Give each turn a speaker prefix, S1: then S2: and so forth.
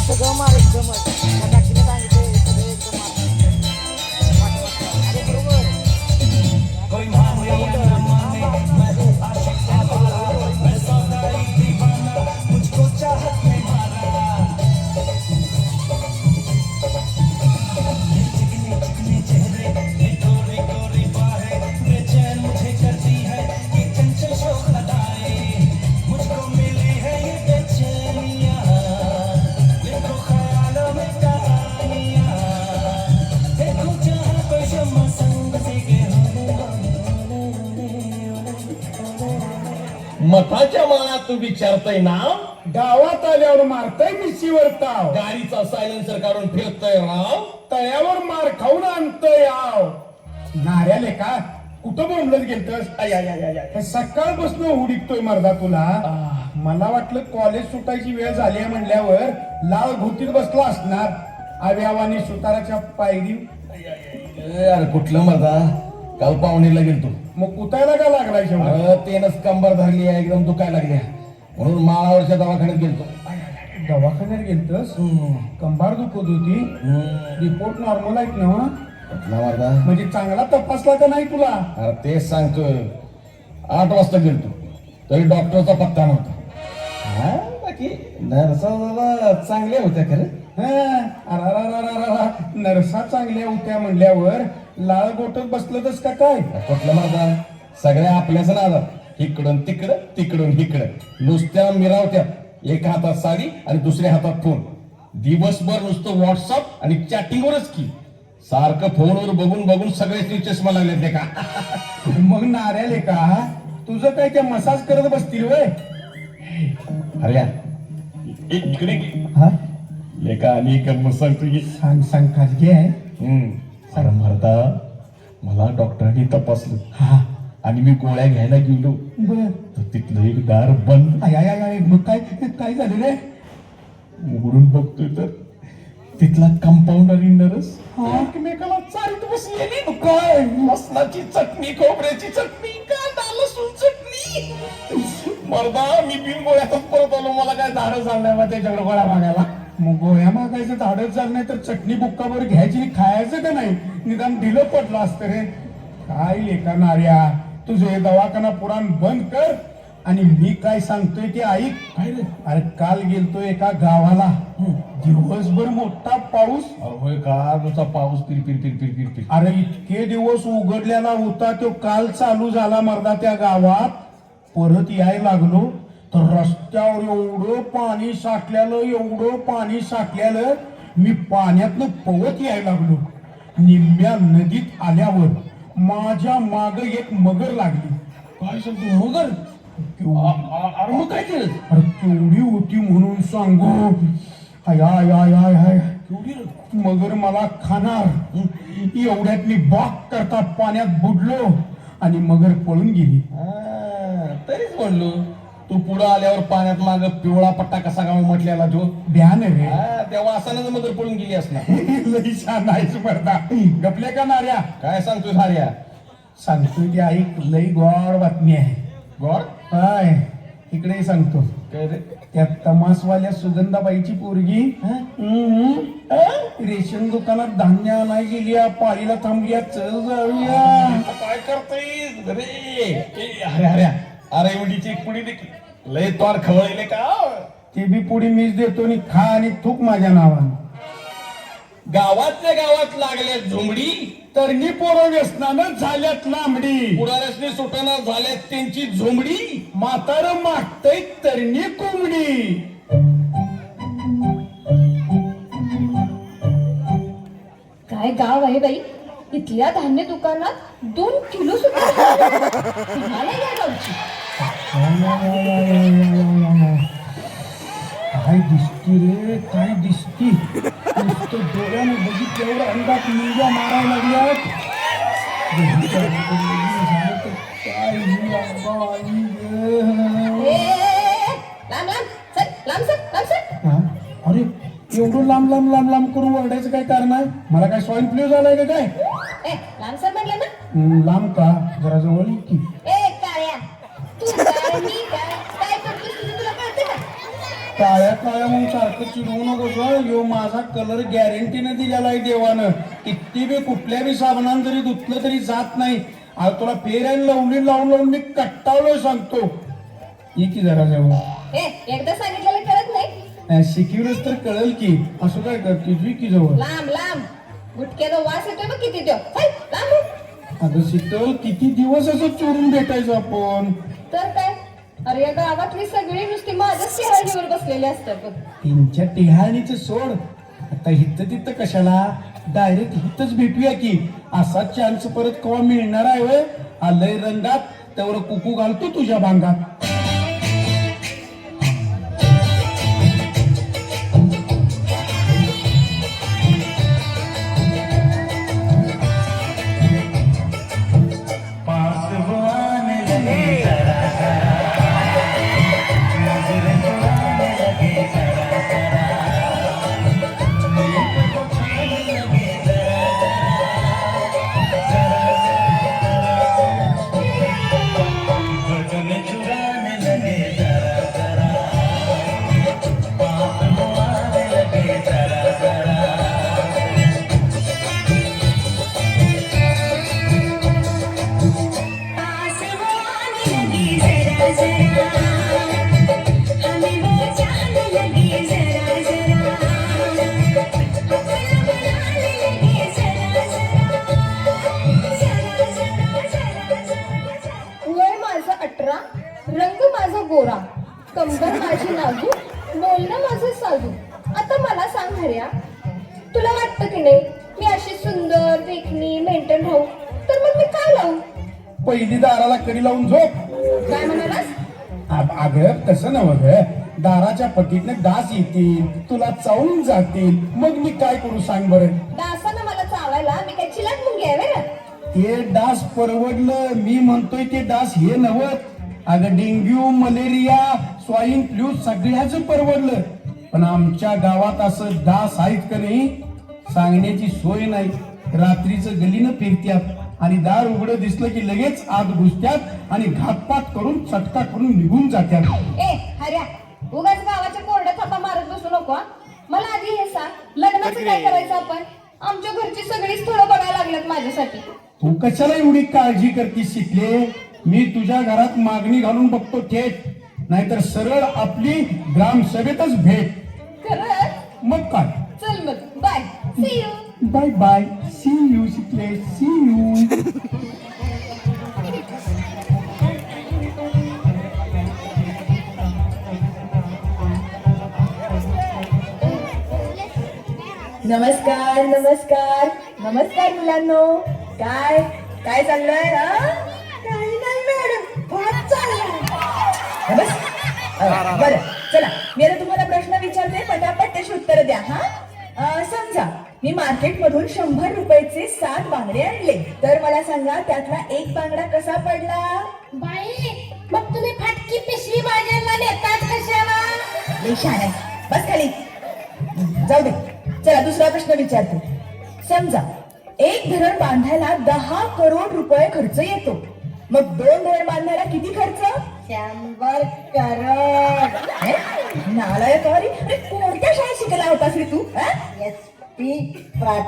S1: सगळं मार एकदमच त्या काकीने सांगितलं सगळं एकदम मार अरे बरोबर
S2: मताच्या मनात तू विचारतय नाव,
S3: गावात आल्यावर मारताय मिशीवर ताव,
S2: गाडीचा सायलेन्सर काढून फिरतय राव,
S3: तळ्यावर मार खाऊन आणतोय आव. नाऱ्याले का कुठं बोंबलत गेलतस? सकाळपासून हुडीकतोय मर्दा तुला. मला वाटलं कॉलेज सुटायची वेळ झाली आहे म्हणल्यावर लाल भोतीत बसला असणार. आव्यावानी सुताराच्या पायरी.
S2: अरे कुठलं मर्दा, काल पाहुणीला गेलतो.
S3: मग कुतायला का लागलाय शेवट?
S2: अरे तेनच कंबर धरली आहे, एकदम दुखायला लागल्या म्हणून माळावरच्या दवाखान्यात गेलतो.
S3: दवाखान्यात गेलतस? कंबार दुखत होती. रिपोर्ट नॉर्मल आहेत ना?
S2: कुठला मर्दा?
S3: म्हणजे चांगला तपासला का नाही तुला?
S2: अरे तेच सांगतोय, 8 वाजता गेलतो तरी डॉक्टरचा पत्ता नव्हता. हा बाकी नर्सा चांगल्या होत्या खरं.
S3: नरसा चांगल्या होत्या म्हणल्यावर लाल गोटत बसलतच का काय?
S2: कुठलं मर्दा, सगळ्या आपल्याच नादात, इकडून तिकडं तिकडून इकडं नुसत्या मिरावत्या. एका हातात साडी आणि दुसऱ्या हातात फोन. दिवसभर नुसतं व्हॉट्सअप आणि चॅटिंगवरच की. सारखं फोनवर बघून बघून सगळे चष्मा लागले ते का.
S3: मग नाऱ्याले का तुझं काय त्या मसाज करत बसतील वय?
S2: अरे इकडे
S3: हा
S2: लेका आणि एक मसाज तुझी
S3: सांग सांग खाजगी आहे.
S2: अरे मर्दा, मला डॉक्टरांनी तपासलं
S3: हा
S2: आणि मी गोळ्या घ्यायला गेलो
S3: बर.
S2: तर तिथलं एक दार बंद.
S3: मग काय काय झालं रे?
S2: उघडून बघतोय तर तिथला कंपाऊंडर आणि नर्स एकमेकाला चालत बसलेली.
S3: काय
S2: लसणाची चटणी, खोबऱ्याची चटणी, कांदा लसूण चटणी. मर्दा मी बिन गोळ्यातच परत आलो. मला काय धाडस झालं नाही मग त्याच्याकडे गोळ्या मागायला.
S3: मग गोळ्या मागायचं धाडच झालं नाही तर चटणी बुक्कावर घ्यायची आणि खायचं का नाही? निदान दिलं पडलं असतं रे. काय लेका नाऱ्या, तुझे दवाखाना पुराण बंद कर आणि मी काय सांगतोय ते ऐक.
S2: काय रे?
S3: अरे काल गेलतो एका गावाला. दिवसभर मोठा पाऊस.
S2: होय का? नुसता पाऊस पिर पिर पिर पिर पिर पिर.
S3: अरे इतके दिवस उघडलेला होता तो काल चालू झाला मर्दा त्या गावात. परत यायला लागलो तर रस्त्यावर एवढं पाणी साठलेलं मी पाण्यातनं पवत यायला लागलो. निम्म्या नदीत आल्यावर माझ्या माग एक मगर लागली.
S2: काय सांगतो मगर? अरे मग काय केलं?
S3: अरे केवढी होती म्हणून सांगू? हाय हाय हाय हाय हाय
S2: केवढी
S3: मगर मला खाणार. एवढ्यात मी बाक करता पाण्यात बुडलो आणि मगर पळून गेली.
S2: तरीच म्हणलो तू पुढं आल्यावर पाण्यात माग पिवळा पट्टा कसा गाव म्हटलेला तो
S3: ध्यान रे.
S2: तेव्हा असानच मगर पळून गेली असणार.
S3: लई छान आहेस मर्दा. गपले का नाऱ्या?
S2: काय सांगतोय साऱ्या?
S3: सांगतोय की ऐक, लई गोड बातमी आहे.
S2: गोड?
S3: काय इकडे सांगतो.
S2: काय रे?
S3: त्या तमासवाल्या सुगंधाबाईची पोरगी रेशन दुकानात धान्य आणाय गेली. पाळीला थांबली. चल जाऊया.
S2: काय करतोय रे? अरे अरे अरे एवढीची एक पुडी देखील लय तोड खवळले का?
S3: ती बी पुढे मीच देतो आणि खा आणि थूक माझ्या नावानं.
S2: गावातल्या गावात लागल्या झुमडी,
S3: तरणी पोरं व्यसनानं झाल्यात लांबडी.
S2: पुढाऱ्यासनी सुटना झाल्यात त्यांची झुमडी.
S3: म्हातार मागतय तरणी कोंबडी.
S4: काय गाव आहे बाई, इथल्या धान्य दुकानात 2 किलो सुद्धा तुम्हाला या गावची.
S3: काय दिसती रे, काय दिसती. नुसतं डोळ्याने बघितल्यावर अंगात मुंग्या मारायला लागल्यात. काय अरे एवढं लांब लांब लांब लांब करून ओरडायचं काय कारण आहे? मला काय स्वाईन फ्लू झालाय का काय?
S4: लांबसर म्हणलं ना.
S3: लांब का? जरा जवळ की.
S4: काळ्या तू काय मी काय करतोस तुला कळतं का?
S3: काळ्या काळ्या म्हणून सारखं चिडवू नकोस हं. यो माझा कलर गॅरंटीने दिलेला आहे देवानं. किती बी कुठल्या बी साबणानं जरी धुतलं तरी जात नाही. आज तुला फेर आणि लावून लावून मी कट्टावलं सांगतो. ये की जरा जवळ.
S4: एकदा सांगितलेलं कळत नाही.
S3: शिकवलंच तर कळेल की. असं काय करते जी की जवळ.
S4: लांब लांब गुटक्याचा वास येतोय बघ किती त्यो. लांब हो.
S3: अगं शीतल किती दिवस असं चोरून भेटायचं आपण.
S4: तर काय, अरे या गावातली सगळी नुसती माझ्याच चेहऱ्यावर बसलेली असतात बघ.
S3: त्यांच्या टिहाणीच सोड. आता हिथं तिथं कशाला, डायरेक्ट हिथंच भेटूया की. असा चान्स परत केव्हा मिळणार आहे होय? आलंय रंगात त्यावर कुकू घालतो तुझ्या बांगात.
S4: वय माझं 18, रंग माझा गोरा, कंबर माझी नाजूक, बोलणं माझं साजूक. आता मला सांग हर्या, तुला वाटतं की नाही मी अशी सुंदर देखणी मेंटेन राहू, तर मग मी काय लावू?
S3: पहिली दाराला कडी लावून झोप.
S4: काय म्हणालास?
S3: अगं तसं नव्ह ग. दाराच्या पटीतनं डास येतील, तुला चावून जातील, मग मी काय करू सांग बरं.
S4: डासानं मला चावायला मी काय चिलाट मुंगी आहे व्हय?
S3: ते डास परवडलं. मी म्हणतोय ते डास हे नव्हत. अगं डेंग्यू, मलेरिया, स्वाईन फ्लू सगळ्याच परवडलं. पण आमच्या गावात असं डास आहेत का नाही सांगण्याची सोय नाही. रात्रीचं गलीनं फिरत्यात आणि दार उघडं दिसलं की लगेच आत घुसत्यात आणि घातपात करून चटका करून निघून जात्यात.
S4: ए हर्या, उगाच गावाच्या कोरड्या थापा मारत बसू नको हा. मला आधी हे सांग, लग्नाचं काय करायचं आपण? आमच्या घरची सगळी स्थळं बघायला लागल्यात माझ्यासाठी.
S3: तू कशाला एवढी काळजी करतीस शिकले? मी तुझ्या घरात मागणी घालून बघतो थेट, नाहीतर सरळ आपली ग्रामसभेतच भेट.
S4: खरंच?
S3: मग काय.
S4: चल मग, bye, see you.
S3: Bye bye, see you शिकले, सी यू.
S5: नमस्कार नमस्कार नमस्कार मुलांनो. काय काय चाललंय? काही नाही मॅडम, भात चाललाय. बस बरं, चला मी आता तुम्हाला प्रश्न विचारते, पटापट त्याची उत्तर द्या. समजा मी मार्केट मधून 100 रुपयाचे 7 बांगडे आणले, तर मला सांगा त्यातला एक बांगडा कसा पडला?
S4: बाई, मग तुम्ही फाटकी पिशवी बाजारला नेतात कशाला?
S5: लई शहाणा आहे. बस खाली, जाऊ दे. चला दुसरा प्रश्न विचारते. समजा एक धरण बांधायला 10 करोड रुपये खर्च येतो, मग 2 धरण बांधायला किती खर्च?
S1: 100 करोड.
S5: नालायक. अरे कोणत्या शाळेत शिकला होतास रे तू?
S1: SP पाटील.